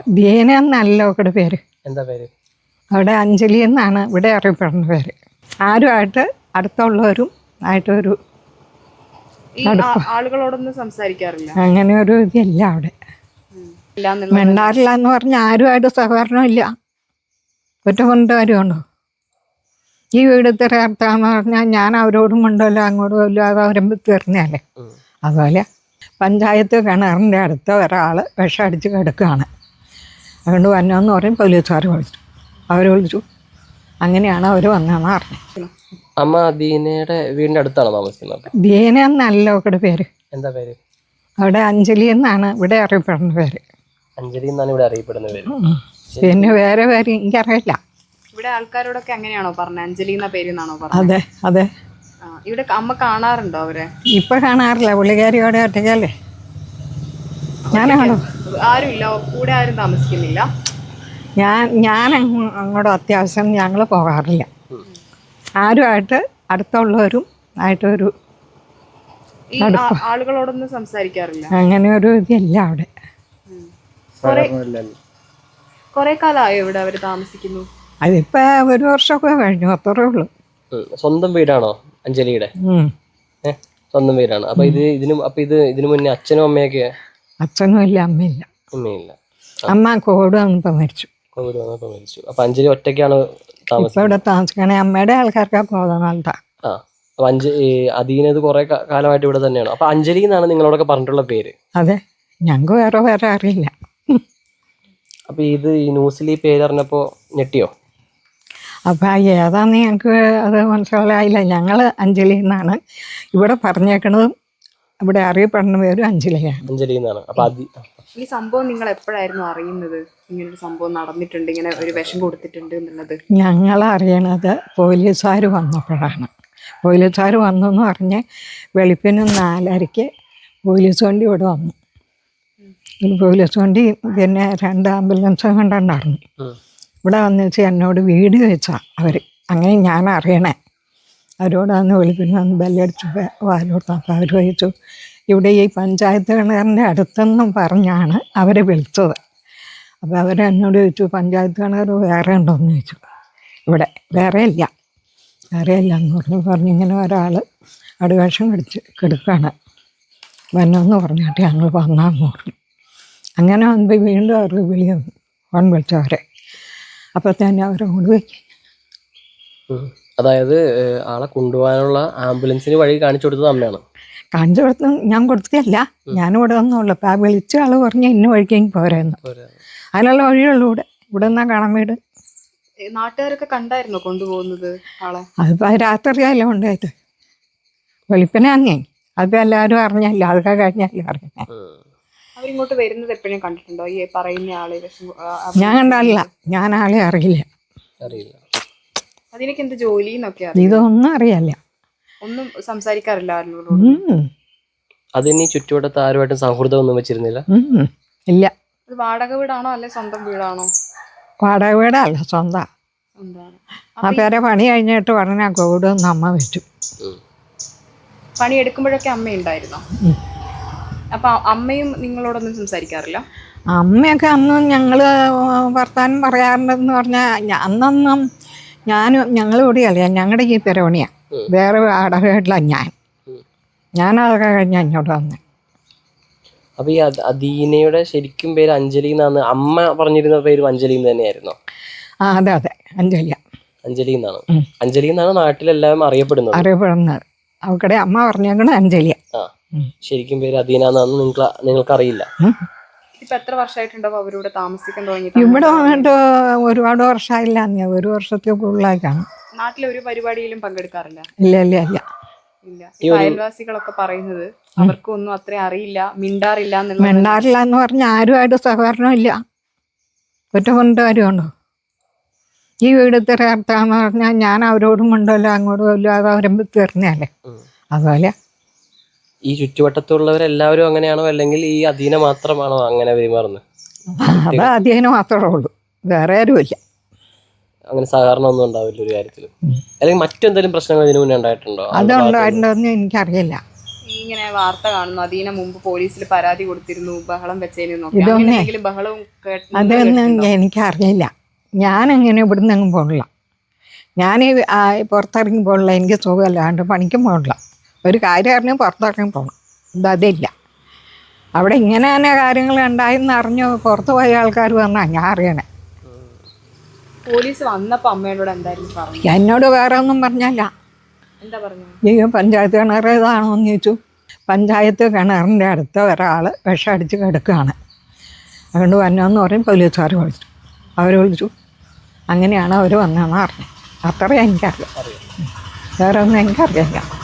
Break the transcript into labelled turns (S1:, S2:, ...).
S1: ദീന എന്നല്ല അവരുടെ പേര്.
S2: എന്താ പേര്?
S1: അവിടെ അഞ്ജലി എന്നാണ് ഇവിടെ അറിയപ്പെടുന്ന പേര്. ആരുമായിട്ട് അടുത്തുള്ളവരും ആയിട്ടൊരു
S3: ആളുകളോടൊന്നും സംസാരിക്കാറില്ല.
S1: അങ്ങനെ ഒരു ഇതില്ല അവിടെ. മിണ്ടാറില്ല എന്ന് പറഞ്ഞാൽ ആരുമായിട്ട് സഹകരണം ഇല്ല. ഒറ്റ കൊണ്ട് കാര്യമുണ്ടോ? ഈ വീട് തീർത്താന്ന് പറഞ്ഞാൽ ഞാൻ അവരോടും കൊണ്ടല്ലോ അങ്ങോട്ടും ഇല്ല, അത് അവരും തീർന്നല്ലേ. അതുപോലെ പഞ്ചായത്ത് കിണറിൻ്റെ അടുത്ത് ഒരാൾ വിഷമടിച്ച് കിടക്കുകയാണ്. അതുകൊണ്ട് വന്നതെന്ന് പറയും പോലീസുകാർ വിളിച്ചു. അവർ വിളിച്ചു. അങ്ങനെയാണ് അവർ വന്നതെന്ന് പറഞ്ഞത്.
S2: അമ്മ ദീനയുടെ വീടിൻ്റെ അടുത്താണ് താമസിക്കുന്നത്?
S1: ദീന എന്നല്ല അവരുടെ പേര്.
S2: എന്താ പേര്?
S1: അവിടെ അഞ്ജലി എന്നാണ് ഇവിടെ അറിയപ്പെടുന്ന പേര്.
S2: അഞ്ജലി എന്നാണ് ഇവിടെ അറിയപ്പെടുന്ന പേര്.
S1: പിന്നെ വേറെ പേര് എനിക്കറിയില്ല.
S3: ഇവിടെ ആൾക്കാരോടൊക്കെ അങ്ങനെയാണോ പറഞ്ഞത്? അഞ്ജലി എന്ന പേരെന്നാണോ പറഞ്ഞത്?
S1: അതെ അതെ.
S3: ഇവിടെ അമ്മ കാണാറുണ്ടോ അവരെ?
S1: ഇപ്പൊ കാണാറില്ല, പുള്ളിക്കാരിയോടെ ഒറ്റയ്ക്കല്ലേ. ഞാനാണോ?
S3: ആരുമില്ല, കൂടെ ആരും താമസിക്കുന്നില്ല.
S1: ഞാൻ അങ്ങോട്ട് അത്യാവശ്യം ഞങ്ങൾ പോകാറില്ല. ആരുമായിട്ട് അടുത്തുള്ളവരും ആയിട്ടൊരു
S3: ആളുകളോടൊന്നും സംസാരിക്കാറില്ല.
S1: അങ്ങനെ ഒരു ഇതില്ല അവിടെ.
S3: കൊറേ കാലമായോ ഇവിടെ അവര് താമസിക്കുന്നു?
S1: അതിപ്പോ 1 വർഷമൊക്കെ കഴിഞ്ഞു, അത്രേ ഉള്ളൂ.
S2: സ്വന്തം വീടാണോ അഞ്ജലിയുടെ? സ്വന്തം വീടാണ്. അപ്പൊ ഇതിനു മുന്നേ അച്ഛനും അമ്മയൊക്കെ?
S1: അച്ഛനും ഇല്ല, അമ്മയില്ല.
S2: അമ്മയില്ല.
S1: അമ്മ കോവിഡ് വന്നപ്പോ മരിച്ചു.
S2: അപ്പൊ അഞ്ജലി ഒറ്റയ്ക്കാണ്
S1: ഇപ്പൊ ഇവിടെ താമസിക്കണേ. അമ്മയുടെ ആൾക്കാർക്കൊക്കെ പോകുന്നതാ.
S2: അപ്പൊ അദീന ഇത് കുറെ കാലമായിട്ട് ഇവിടെ തന്നെയാണ്. അപ്പൊ അഞ്ജലി എന്നാണ് നിങ്ങളോടൊക്കെ പറഞ്ഞിട്ടുള്ള പേര്?
S1: അതെ, ഞങ്ങൾക്ക് വേറെ അറിയില്ല.
S2: അപ്പൊ ഇത് ഈ ന്യൂസിൽ ഈ പേര് അറിഞ്ഞപ്പോ ഞെട്ടിയോ?
S1: അപ്പൊ ഏതാന്ന് ഞങ്ങൾക്ക് അത് മനസ്സിലായില്ല. ഞങ്ങൾ അഞ്ജലി എന്നാണ് ഇവിടെ പറഞ്ഞേക്കണതും ഇവിടെ അറിയപ്പെടുന്ന പേരും അഞ്ജലിയാണ്.
S2: അഞ്ജലി എന്നാണ്. അപ്പൊ
S3: ഈ സംഭവം നിങ്ങൾ എപ്പോഴായിരുന്നു അറിയുന്നത്? ഇങ്ങനൊരു സംഭവം നടന്നിട്ടുണ്ട്, ഇങ്ങനെ ഒരു വിഷം കൊടുത്തിട്ടുണ്ട് എന്നുള്ളത്?
S1: ഞങ്ങൾ അറിയണത് പോലീസുകാർ വന്നപ്പോഴാണ്. പോലീസുകാർ വന്നെന്ന് പറഞ്ഞ് വെളുപ്പിന് 4:30 പോലീസ് വണ്ടി ഇവിടെ വന്നു. പോലീസ് വണ്ടി പിന്നെ 2 ആംബുലൻസ് കണ്ടുണ്ടായിരുന്നു. ഇവിടെ വന്നു വെച്ച് എന്നോട് വീട് വെച്ചാൽ അവർ. അങ്ങനെ ഞാൻ അറിയണേ. അവരോട് അന്ന് വെളുപ്പിന് വന്ന് ബെല്ലടിച്ച് വാലോട്ട്. അപ്പോൾ അവർ ചോദിച്ചു ഇവിടെ ഈ പഞ്ചായത്ത് കിണറിൻ്റെ അടുത്തെന്നും പറഞ്ഞാണ് അവരെ വിളിച്ചത്. അപ്പോൾ അവരെന്നോട് ചോദിച്ചു പഞ്ചായത്ത് കിണർ വേറെ ഉണ്ടോയെന്ന് ചോദിച്ചു. ഇവിടെ വേറെ ഇല്ല എന്ന് പറഞ്ഞിങ്ങനെ ഒരാൾ അടുവേഷം കെടുക്കുകയാണ്. വന്നെന്ന് പറഞ്ഞിട്ട് ഞങ്ങൾ വന്നാന്ന് പറഞ്ഞു. അങ്ങനെ വന്നപ്പോൾ വീണ്ടും അവർക്ക് ഫോൺ വിളിച്ചവരെ. അപ്പോൾ തന്നെ അവരെ കൊണ്ടുപോയി.
S2: അതായത് ആളെ കൊണ്ടുപോകാനുള്ള ആംബുലൻസിന് വഴി കാണിച്ചു കൊടുത്തത് അമ്മയാണ്?
S1: കാണിച്ചു കൊടുത്ത് ഞാൻ കൊടുത്തതല്ല, ഞാനിവിടെ വന്നുള്ളൂ. അപ്പോൾ ആ വിളിച്ച ആൾ പറഞ്ഞ് ഇന്ന വഴിക്കെങ്കിൽ പോരായിരുന്നു. അതിനുള്ള വഴിയുള്ളൂ ഇവിടെ നിന്നാ കാണാൻ വീട്.
S3: നാട്ടുകാരൊക്കെ കണ്ടായിരുന്നോ കൊണ്ടുപോകുന്നത് ആളെ?
S1: അതിപ്പോൾ രാത്രിയല്ലേ കൊണ്ടുപോയത്. വെളുപ്പിനെ അന്നേ അതിപ്പോൾ എല്ലാവരും അറിഞ്ഞല്ല, അതൊക്കെ കഴിഞ്ഞല്ലേ അറിഞ്ഞേ.
S3: അവരിങ്ങോട്ട് വരുന്നത് എപ്പോഴും കണ്ടിട്ടുണ്ടോ? ഈ പറയുന്ന ആളെ
S1: ഞാൻ കണ്ടല്ല, ഞാൻ ആളെ അറിയില്ല.
S3: അതിനൊക്കെ എന്ത് ജോലി എന്നൊക്കെ
S1: ഇതൊന്നും അറിയില്ല.
S3: ഒന്നും സംസാരിക്കാറില്ല
S2: അതിന് ചുറ്റുവട്ടത്ത് ആരുമായിട്ടും സൗഹൃദം ഒന്നും വെച്ചിരുന്നില്ല?
S1: ഇല്ല.
S3: ഇത് വാടക വീടാണോ അല്ലെ സ്വന്തം വീടാണോ?
S1: വാടക വീടല്ല, സ്വന്തം. ആ പേരെ പണി കഴിഞ്ഞിട്ട് ഉടനെ കോവിഡ് വന്ന് അമ്മ വെച്ചു.
S3: പണി എടുക്കുമ്പോഴൊക്കെ അമ്മ ഉണ്ടായിരുന്നോ? അപ്പൊ അമ്മയും നിങ്ങളോടൊന്നും സംസാരിക്കാറില്ല?
S1: അമ്മയൊക്കെ അന്ന് ഞങ്ങൾ വർത്താനം പറയാറുണ്ടെന്ന് പറഞ്ഞാൽ അന്നൊന്നും ഞങ്ങൾ കൂടിയല്ല, ഞങ്ങളുടെ ഈ പെരവണിയാണ്. വേറെ വാടക വീട്ടിലാണ് ഞാനതൊക്കെ കഴിഞ്ഞ് അങ്ങോട്ട് വന്നേ.
S2: അപ്പൊ ഈ അദീനയുടെ ശരിക്കും പേര് അഞ്ജലി എന്നാണ്. അമ്മ പറഞ്ഞിരുന്ന പേര് അഞ്ജലി തന്നെയായിരുന്നോ?
S1: അതെ അഞ്ജലി
S2: എന്നാണ്. അഞ്ജലി എന്നാണ് നാട്ടിലെല്ലാം അറിയപ്പെടുന്നത്.
S1: അവക്കടെ അമ്മ പറഞ്ഞേക്കണ അഞ്ജലിയ.
S2: ശരിക്കും പേര് അദീന എന്നാന്ന് നിങ്ങൾക്ക് അറിയില്ല?
S3: ഇപ്പൊ എത്ര വർഷമായിട്ടുണ്ടാവും അവരിവിടെ താമസിക്കാൻ തുടങ്ങി?
S1: ഇവിടെ വന്നിട്ട് ഒരുപാട് വർഷമായില്ല, 1 വർഷത്തിൽ കൂടുതലായി കാണും.
S3: നാട്ടിലെ ഒരു പരിപാടിയിലും പങ്കെടുക്കാറില്ല?
S1: ഇല്ല.
S3: അയൽവാസികളൊക്കെ പറയുന്നത് അവർക്കൊന്നും അത്ര അറിയില്ല, മിണ്ടാറില്ല
S1: എന്ന് പറഞ്ഞാൽ ആരുമായിട്ട് സഹകരണം ഇല്ല. ഒറ്റ കൊണ്ട് കാര്യമുണ്ടോ? ഈ വീട് തീർത്താന്ന് പറഞ്ഞാൽ ഞാൻ അവരോടും കൊണ്ടല്ലോ അങ്ങോട്ടും ഇല്ല, അത് അവരും തീർന്നല്ലേ. അതുപോലെ
S2: ഈ ചുറ്റുവട്ടത്തുള്ളവരെല്ലാവരും അങ്ങനെയാണോ, അല്ലെങ്കിൽ ഈ അദീന മാത്രമാണോ അങ്ങനെ പെരുമാറുന്നത്?
S1: അത് അദീന മാത്രമേ ഉള്ളൂ, വേറെ ആരുമില്ല.
S2: അങ്ങനെ സഹകരണം ഒന്നും ഉണ്ടാവില്ല ഒരു കാര്യത്തിലും? അല്ലെങ്കിൽ മറ്റെന്തെങ്കിലും പ്രശ്നങ്ങൾ ഇതിനു മുന്നേ ഉണ്ടായിട്ടുണ്ടോ?
S1: അതുണ്ടായിട്ടുണ്ടോന്ന് എനിക്കറിയില്ല.
S3: ഈ ഇങ്ങനെ വാർത്ത കാണുന്നു അതിന് മുമ്പ് പോലീസിൽ പരാതി കൊടുത്തിരുന്നു ബഹളം വെച്ചതിനും ബഹളവും
S1: അതൊന്നും എനിക്കറിയില്ല. ഞാനങ്ങനെ ഇവിടുന്ന് അങ്ങ് പോകണില്ല. ഞാൻ പുറത്തിറങ്ങി പോകണില്ല. എനിക്ക് സുഖമല്ലാണ്ട് പണിക്കും പോകണില്ല. ഒരു കാര്യം അറിഞ്ഞ് പുറത്തിറങ്ങി പോകണം. അതില്ല. അവിടെ ഇങ്ങനെ തന്നെ കാര്യങ്ങൾ ഉണ്ടായെന്ന് അറിഞ്ഞ് പുറത്ത് പോയ ആൾക്കാർ വന്നാൽ ഞാൻ അറിയണേ.
S3: പോലീസ് വന്നപ്പോൾ അമ്മയോട് എന്തായിരുന്നു പറഞ്ഞു?
S1: എന്നോട് വേറെ ഒന്നും പറഞ്ഞല്ല.
S3: എന്താ പറഞ്ഞു?
S1: ഈ പഞ്ചായത്ത് കിണർ ഏതാണോ എന്ന് ചോദിച്ചു. പഞ്ചായത്ത് കിണറിൻ്റെ അടുത്ത് ഒരാൾ വിഷം അടിച്ച് കിടക്കുകയാണ്. അതുകൊണ്ട് വന്നതെന്ന് പറയും. പോലീസുകാർ വിളിച്ചു. അവർ വിളിച്ചു. അങ്ങനെയാണ് അവർ വന്നതെന്ന് പറഞ്ഞു. അത്രയും എനിക്കറിയാം. വേറെ ഒന്നും എനിക്കറിയില്ല.